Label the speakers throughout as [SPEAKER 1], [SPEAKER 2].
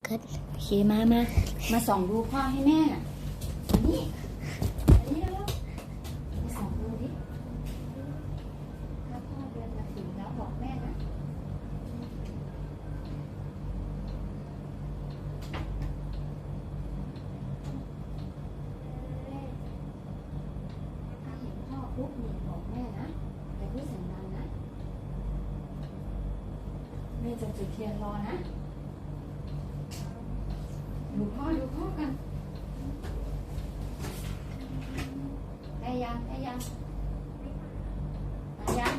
[SPEAKER 1] กัน
[SPEAKER 2] โอเคมาส่องดูพ่อให้แม่น่ะอันนี้แล้วมาส่องดูดิถ้าพ่อเดินมาถึงแล้วบอกแม่นะถ้าเห็นพ่อปุ๊บเนี่ยบอกแม่นะอย่าพูดเสียงดังนะแม่จะจุดเทียนรอนะดูพ่อกันได้ยังมายังมายัง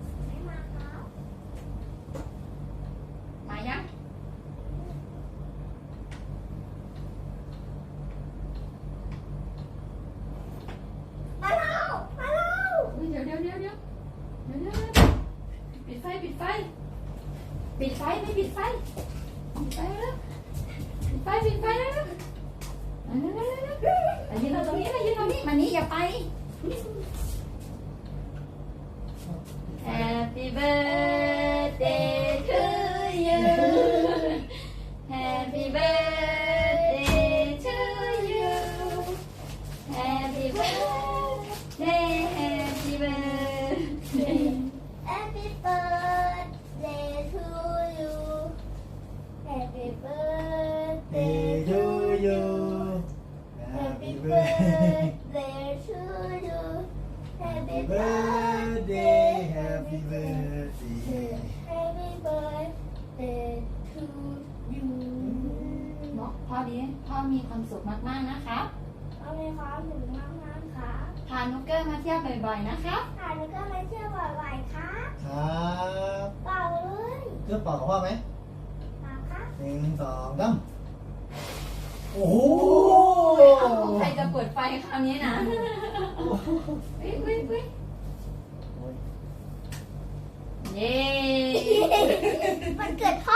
[SPEAKER 2] อุ๊ยเดี๋ยวปิดไฟไม่ปิดไฟแล้วปิดไฟแล้วยืนตรงนี้มานี่อย่าไป Happy birthday to you Happy birthday to you Happy birthday Happy birthday
[SPEAKER 1] Happy birthday to you Happy birthday
[SPEAKER 3] to you
[SPEAKER 1] Happy birthday to you Happy birthday
[SPEAKER 3] Happy birthday
[SPEAKER 1] Happy birthday to you
[SPEAKER 2] บอกพ่อดีพ่อมีความสุขมากๆนะครับ
[SPEAKER 1] เอาในความถึงมากๆค่ะ
[SPEAKER 2] พานุกเกอร์มาเที่ยวบ่อยๆนะครับ
[SPEAKER 1] ค่ะแล้วก็มาเที่ยวบ่อยๆค่ะ
[SPEAKER 3] ครับ
[SPEAKER 1] เปล่าเลย
[SPEAKER 3] เครื่องเป่าของพ่อไหม
[SPEAKER 1] มาค่ะ
[SPEAKER 3] 1 2 3โอ้โห
[SPEAKER 2] ใครจะเปิดไฟคราวนี้นะวิเย้
[SPEAKER 1] มันเกิดพ่อ